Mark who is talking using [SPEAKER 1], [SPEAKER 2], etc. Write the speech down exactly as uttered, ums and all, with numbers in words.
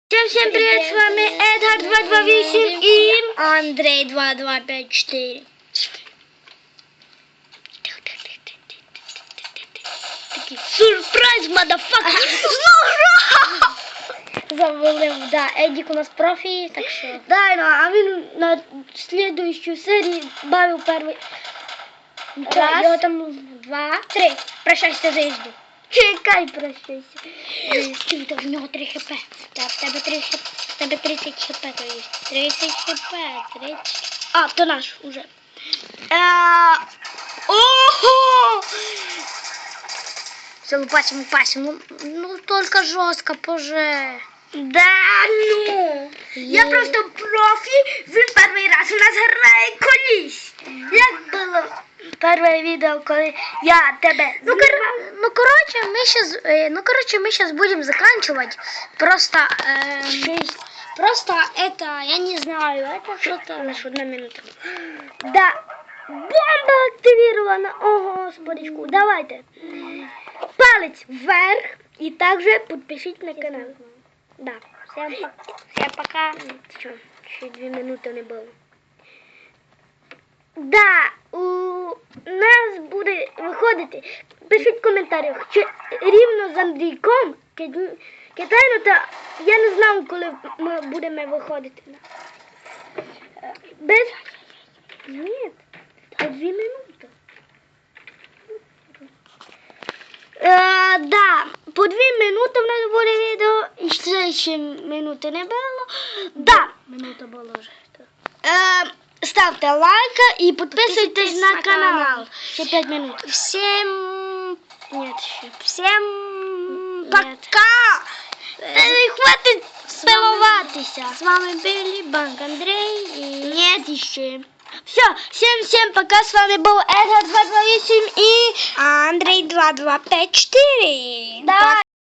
[SPEAKER 1] Всем, всем привет, с вами Эдгар два два восемь и
[SPEAKER 2] Андрей два два пять четыре.
[SPEAKER 1] такий сюрприз, мадафака.
[SPEAKER 2] Завалив, да, Эдик у нас профи, так що.
[SPEAKER 1] Да, ну, а він на следующую серию бавив перший
[SPEAKER 2] Раз,
[SPEAKER 1] раз.
[SPEAKER 2] там два, три. Прощайся за їзду.
[SPEAKER 1] Чекай, прощайся.
[SPEAKER 2] Ти, то в нього три хп. Так, в тебе три хп. В тебе тридцять хп, то є. тридцять хп, тридцять.
[SPEAKER 1] А, то наш уже. А, ого!
[SPEAKER 2] Все, лупасим, лупасим. Ну, только жестко, боже.
[SPEAKER 1] Да, ну. Я
[SPEAKER 2] Є.
[SPEAKER 1] просто профі, він перший раз у нас грає колись. Як було перше відео, коли я тебе
[SPEAKER 2] Ну, кор... ну короче, мы сейчас, э, ну короче, мы сейчас будем заканчивать. Просто, э, просто это, я не знаю, это что-то.
[SPEAKER 1] Лише одна минута. Да. Бомба активирована. О, господичку. Давайте. Палець вверх і також підпишіть на канал. Да.
[SPEAKER 2] Всем, по- всем пока.
[SPEAKER 1] Що, ще дві минути не було. Да, у нас буде виходити. Пишіть в коментарях, чи рівно з Андрійком кид- кидайно, та я не знаю, коли ми будемо виходити. Без... Ні, та дві минути. Е, да, по дві минути в нас буде відео, і ще, ще минути не було. Да.
[SPEAKER 2] Минута была уже.
[SPEAKER 1] Е, ставте лайк і підписуйтесь
[SPEAKER 2] Підписуйтесь
[SPEAKER 1] на
[SPEAKER 2] на
[SPEAKER 1] канал.
[SPEAKER 2] канал.
[SPEAKER 1] Ще п'ять минут.
[SPEAKER 2] Всем, нет еще.
[SPEAKER 1] Всем
[SPEAKER 2] Нет.
[SPEAKER 1] пока! Та не хватить
[SPEAKER 2] З вами-
[SPEAKER 1] спілуватися.
[SPEAKER 2] С вами были Банк Андрей и...
[SPEAKER 1] Нет, еще. Все, всем-всем пока. С вами был Эдгар два два восемь и
[SPEAKER 2] Андрей два два пять четыре.
[SPEAKER 1] Давай.